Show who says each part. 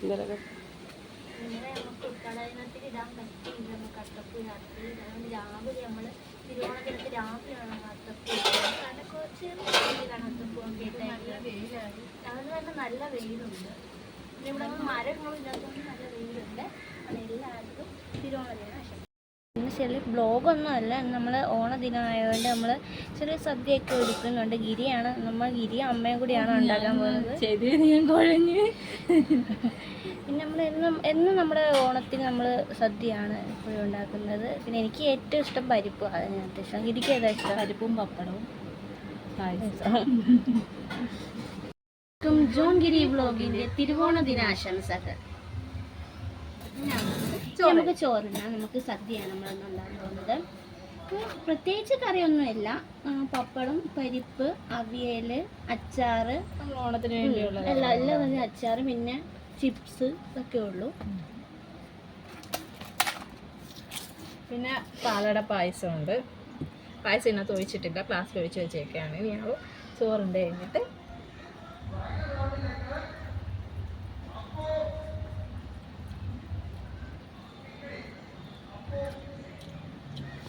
Speaker 1: ഇങ്ങനെ നമുക്ക് കടയിനത്തിൽ ഇടാൻ പറ്റിയില്ല. നമുക്ക് അത്തപ്പൂ രാത്രി അതുകൊണ്ട് രാവിലെ നമ്മൾ തിരുവോണത്തിനൊക്കെ രാവിലെയാണ് നമ്മൾ അത്തപ്പൂ കാരണം ചെറിയ രീതിയിലാണ് അത്തപ്പൂ ഒക്കെ ഇട്ടേക്കുന്നത്. അതുകൊണ്ട് തന്നെ നല്ല വെയിലുണ്ട്. പിന്നെ ഇവിടെ നമ്മൾ മരങ്ങളും ഇല്ലാത്തതുകൊണ്ട് നല്ല വെയിലുണ്ട്. അത് എല്ലാവർക്കും തിരുവോണദിനാശംസകൾ. ഇന്ന് ചെറിയ ബ്ലോഗൊന്നും അല്ല, നമ്മൾ ഓണദിനമായതുകൊണ്ട് നമ്മൾ ചെറിയ സദ്യയൊക്കെ ഒരുക്കുന്നുണ്ട്. ഗിരിയാണ്, നമ്മൾ ഗിരിയും അമ്മയും കൂടിയാണ് ഉണ്ടാക്കാൻ പോകുന്നത്. പിന്നെ നമ്മൾ എന്നും നമ്മുടെ ഓണത്തിന് നമ്മൾ സദ്യയാണ് എപ്പോഴും ഉണ്ടാക്കുന്നത്. പിന്നെ എനിക്ക് ഏറ്റവും ഇഷ്ടം പരിപ്പ്, അതിനകത്ത് ഇഷ്ടം. ഗിരിക്ക് ഏതാ ഇഷ്ടം? പരിപ്പും പപ്പടവും ജോൺ ഗിരി വ്ലോഗിൻ്റെ തിരുവോണ ദിനാശംസകൾ. നമുക്ക് ചോറിനാണ്, നമുക്ക് സദ്യയാണ് നമ്മളൊന്നും ഉണ്ടാകാൻ പോകുന്നത്. പ്രത്യേകിച്ച് കറിയൊന്നുമില്ല, പപ്പടം, പരിപ്പ്, അവിയൽ, അച്ചാറ്, ഓണത്തിന് വേണ്ടിയുള്ള എല്ലാം തന്നെ അച്ചാറ്, പിന്നെ ചിപ്സ് ഇതൊക്കെ ഉള്ളൂ.
Speaker 2: പിന്നെ പാലട പായസമുണ്ട്. പായസം ഇതിനകത്ത് ഒഴിച്ചിട്ടില്ല, ഗ്ലാസ്സിൽ ഒഴിച്ച് വെച്ചേക്കാണ്. ഇനി ഞങ്ങൾ ചോറുണ്ട് കഴിഞ്ഞിട്ട്